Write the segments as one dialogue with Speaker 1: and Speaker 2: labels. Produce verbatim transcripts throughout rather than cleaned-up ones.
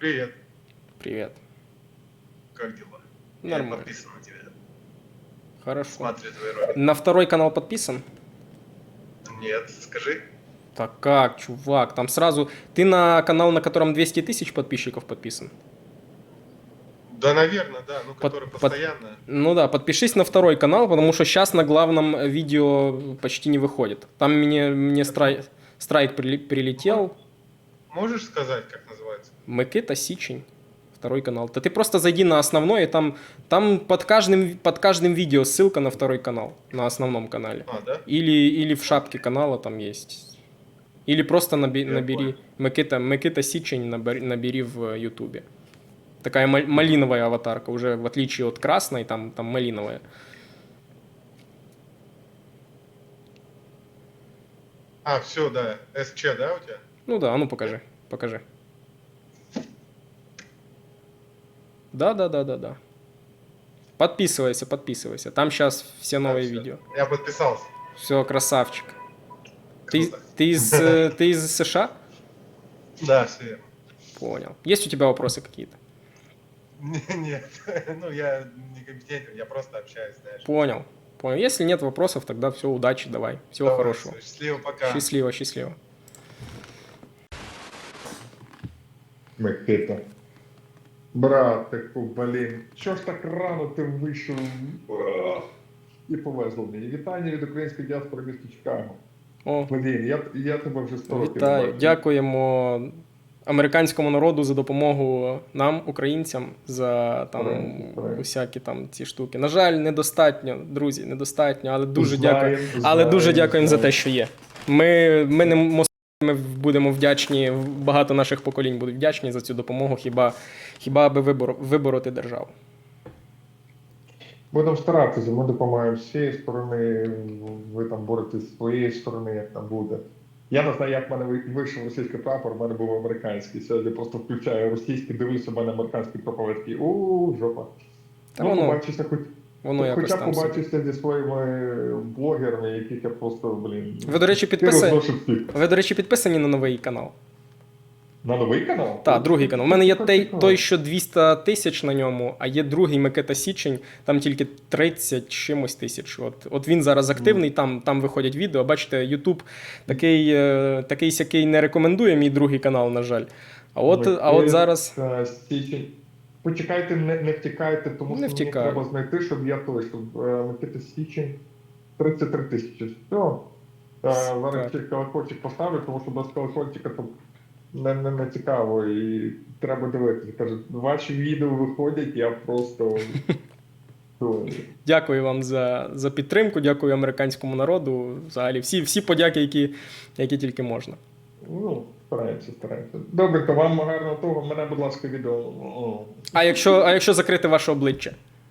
Speaker 1: Привет.
Speaker 2: Привет.
Speaker 1: Как дела?
Speaker 2: Нормально.
Speaker 1: Я подписан на тебя.
Speaker 2: Хорошо.
Speaker 1: Смотрю твои ролики.
Speaker 2: На второй канал подписан?
Speaker 1: Нет, скажи.
Speaker 2: Так как, чувак, там сразу... Ты на канал, на котором двести тысяч подписчиков подписан?
Speaker 1: Да, наверное, да, ну,
Speaker 2: Под-
Speaker 1: который
Speaker 2: под-
Speaker 1: постоянно.
Speaker 2: Ну да, подпишись на второй канал, потому что сейчас на главном видео почти не выходит. Там мне, мне страйк, страйк прили- прилетел.
Speaker 1: Можешь сказать, как называется?
Speaker 2: Микита Січень. Второй канал. Да ты просто зайди на основной, и там, там под, каждым, под каждым видео ссылка на второй канал, на основном канале.
Speaker 1: А, да?
Speaker 2: Или, или в шапке канала там есть. Или просто наби-
Speaker 1: Я
Speaker 2: набери
Speaker 1: понял.
Speaker 2: Микита, Микита Січень, набери, набери в Ютубе. Такая мал- малиновая аватарка, уже в отличие от красной, там, там малиновая.
Speaker 1: А, все, да. СЧ, да, у тебя?
Speaker 2: Ну да, а ну покажи, покажи. Да, да, да, да, да. Подписывайся, подписывайся. Там сейчас все
Speaker 1: Да,
Speaker 2: новые
Speaker 1: всё.
Speaker 2: видео.
Speaker 1: Я подписался.
Speaker 2: Все, красавчик. Ты,
Speaker 1: Круто.
Speaker 2: ты, из, э, ты из США?
Speaker 1: Да, все верно.
Speaker 2: Понял. Есть у тебя вопросы какие-то?
Speaker 1: Нет, ну я некомпетентен, я просто общаюсь, знаешь.
Speaker 2: Понял. Понял. Если нет вопросов, тогда все, удачи, давай. Всего
Speaker 1: Давай,
Speaker 2: хорошего.
Speaker 1: всё, счастливо, пока.
Speaker 2: Счастливо, счастливо.
Speaker 3: Микита. Братику, блін, що ж так рано ти вийшов? Ах. І повезло мені. Вітання від української діаспори міста Чикаго.
Speaker 2: О,
Speaker 3: Блін, я, я тебе вже сто років не
Speaker 2: вітаю.
Speaker 3: бачив.
Speaker 2: Дякуємо американському народу за допомогу нам, українцям, за там
Speaker 3: Правильно, правильно.
Speaker 2: усякі там ці штуки. На жаль, недостатньо, друзі, недостатньо, але дуже
Speaker 3: Знаєм,
Speaker 2: дякую. Але
Speaker 3: знаєм,
Speaker 2: дуже дякуємо за
Speaker 3: знаєм.
Speaker 2: те, що є. Ми, ми не мос- ми будемо вдячні, багато наших поколінь будуть вдячні за цю допомогу, хіба, хіба аби вибор, вибороти державу.
Speaker 3: Будемо старатися, ми допомагаємо з цієї сторони, ви там боретесь з своєї сторони, як там буде. Я не знаю, як в мене ви- вийшов російський прапор, в мене був американський. Сьогодні просто включаю російський, дивлюся, в мене американський прапор, я такий, у жопа.
Speaker 2: Та
Speaker 3: Ну,
Speaker 2: воно,
Speaker 3: побачишся хоч.
Speaker 2: воно якось
Speaker 3: Хоча
Speaker 2: там собі.
Speaker 3: побачився зі своїми блогерами, яких я просто, блін...
Speaker 2: Ви, до речі,
Speaker 3: ти
Speaker 2: підписані,
Speaker 3: розношу всіх.
Speaker 2: ви, до речі, підписані на новий канал?
Speaker 3: На новий канал?
Speaker 2: Так, другий канал. У мене є той,
Speaker 3: Цікаво.
Speaker 2: той, що двісті тисяч на ньому, а є другий Микита Січень, там тільки тридцять чимось тисяч. От, от він зараз активний, там, там виходять відео. Бачите, Ютуб такий, е, такий сякий не рекомендує мій другий канал, на жаль. А от, а от зараз.
Speaker 3: Микита Січень. Почекайте, не, не втікайте, тому
Speaker 2: Не
Speaker 3: що мені
Speaker 2: втікаю.
Speaker 3: треба знайти, щоб я той, щоб е, Микита Січень тридцять три тисячі. Все. Е, зараз
Speaker 2: Так.
Speaker 3: ще колокольчик поставлю, тому що без колокольчика там не, не, не цікаво і треба дивитися. Каже, ваші відео виходять, я просто... той.
Speaker 2: Дякую вам за, за підтримку, дякую американському народу. Взагалі, всі, всі подяки, які, які тільки можна.
Speaker 3: Ну, стараємося, стараємося. Добре, то вам гарного того. Мене, будь ласка, відео. О.
Speaker 2: А якщо, а якщо закрити ваше обличчя?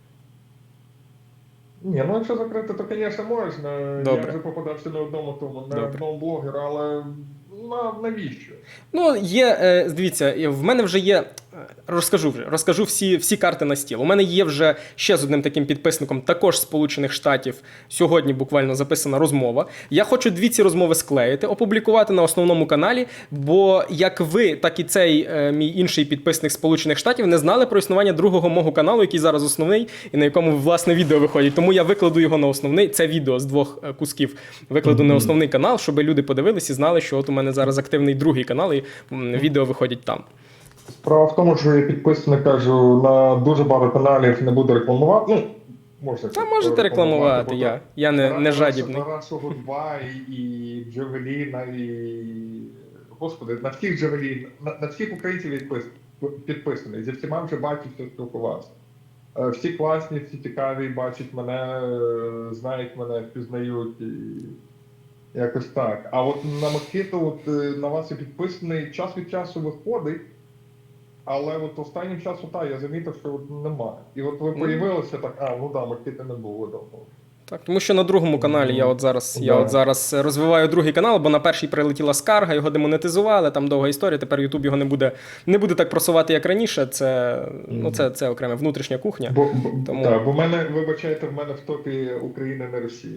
Speaker 3: Ні, ну якщо закрити, то, звісно, можна.
Speaker 2: Добре.
Speaker 3: Я вже попадався на одному тому, на
Speaker 2: Добре.
Speaker 3: одному блогеру, але на, навіщо?
Speaker 2: Ну, є, е, дивіться, в мене вже є, е, розкажу вже, розкажу всі, всі карти на стіл. У мене є вже ще з одним таким підписником, також з Сполучених Штатів, сьогодні буквально записана розмова. Я хочу дві ці розмови склеїти, опублікувати на основному каналі, бо як ви, так і цей е, мій інший підписник з Сполучених Штатів не знали про існування другого мого каналу, який зараз основний, і на якому, власне, відео виходить. Тому я викладу його на основний, це відео з двох е, кусків викладу на основний канал, щоб люди подивились і знали, що от у мене зараз активний другий канал, і м, відео виходять там.
Speaker 3: Справа в тому, що я підписаний, кажу, на дуже багато каналів не буду рекламувати. Ну, можна
Speaker 2: Та можете рекламувати,
Speaker 3: бо
Speaker 2: я, я не, не
Speaker 3: Тараса-
Speaker 2: жадібний.
Speaker 3: Тарасову два і, і Джавеліна, і... Господи, на всіх Джавелін, на, на всіх українців відпис, підписаний. Зі всіма вже бачився, спілкувався. Е, Всі класні, всі цікаві, бачать мене, е, знають мене, впізнають. І... Якось так. А от на Микиту, от е, на вас і підписаний, час від часу виходить, але от останнім часом, так, я замітив, що от немає. І от ви появилися так, а, ну да, Микити не було давно.
Speaker 2: Так, тому що на другому каналі я от зараз, я
Speaker 3: Да.
Speaker 2: от зараз розвиваю другий канал, бо на перший прилетіла скарга, його демонетизували, там довга історія, тепер Ютуб його не буде, не буде так просувати, як раніше. Це, ну, це, це окрема внутрішня кухня.
Speaker 3: Бо, бо,
Speaker 2: Тому-
Speaker 3: да, бо в мене, вибачайте, в мене в топі Україна не Росія.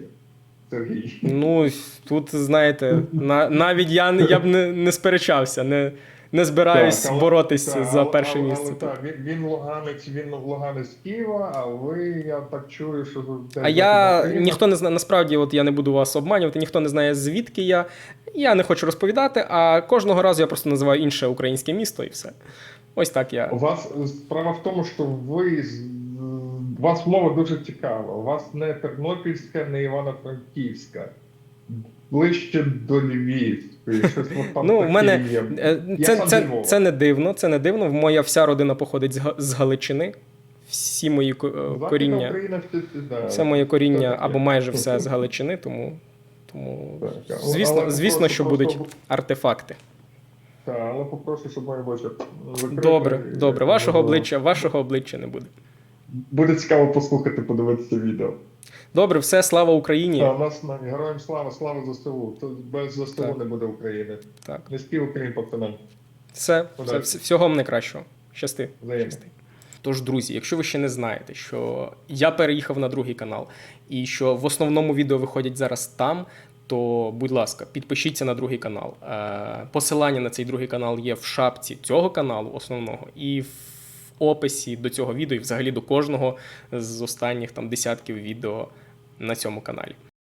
Speaker 3: Сергій.
Speaker 2: Ну, тут, знаєте, на, навіть я, я б не, не сперечався, не, не збираюсь
Speaker 3: Так, але-
Speaker 2: боротись
Speaker 3: так,
Speaker 2: за
Speaker 3: але-
Speaker 2: перше
Speaker 3: але-
Speaker 2: місце.
Speaker 3: але
Speaker 2: тут.
Speaker 3: так, він, він луганець, він луганець з Києва, а ви, я так чую, що ви
Speaker 2: А я ніхто не знає, насправді, от я не буду вас обманювати, ніхто не знає, звідки я. Я не хочу розповідати, а кожного разу я просто називаю інше українське місто і все. Ось так я.
Speaker 3: У вас справа в тому, що ви з- у вас мова дуже цікава. У вас не Тернопільська, не Івано-Франківська. Ближче до Львівської. Щось от там
Speaker 2: Ну, в
Speaker 3: таке
Speaker 2: мене
Speaker 3: є.
Speaker 2: е,
Speaker 3: Я
Speaker 2: це,
Speaker 3: сам
Speaker 2: це,
Speaker 3: зі Львова.
Speaker 2: це не дивно, це не дивно. Моя вся родина походить з, Га- з Галичини. Всі мої ко- е,
Speaker 3: Західна
Speaker 2: коріння,
Speaker 3: Україна, всі- да,
Speaker 2: все моє коріння
Speaker 3: це таке.
Speaker 2: або майже все з Галичини, тому, тому
Speaker 3: Так, але-
Speaker 2: звісно,
Speaker 3: але
Speaker 2: звісно,
Speaker 3: попрошу
Speaker 2: що
Speaker 3: просто-
Speaker 2: будуть артефакти.
Speaker 3: Так, але попрошу, щоб моє обличчя закрите.
Speaker 2: Добре,
Speaker 3: І-
Speaker 2: добре. Вашого
Speaker 3: і було.
Speaker 2: обличчя, вашого обличчя не буде.
Speaker 3: Буде цікаво послухати, подивитися відео.
Speaker 2: Добре, все, слава Україні.
Speaker 3: Та, у нас на героям слава, слава ЗСУ. Тут без ЗСУ
Speaker 2: Так.
Speaker 3: не буде України.
Speaker 2: Так.
Speaker 3: Низький Україн, пацанам.
Speaker 2: Все, все,
Speaker 3: Удачі.
Speaker 2: вс- всього вам найкращого. Щасти.
Speaker 3: Взаємно.
Speaker 2: Щасти. Тож, друзі, якщо ви ще не знаєте, що я переїхав на другий канал і що в основному відео виходять зараз там, то, будь ласка, підпишіться на другий канал. Е, Посилання на цей другий канал є в шапці цього каналу основного і в описі до цього відео, і взагалі до кожного з останніх там десятків відео на цьому каналі.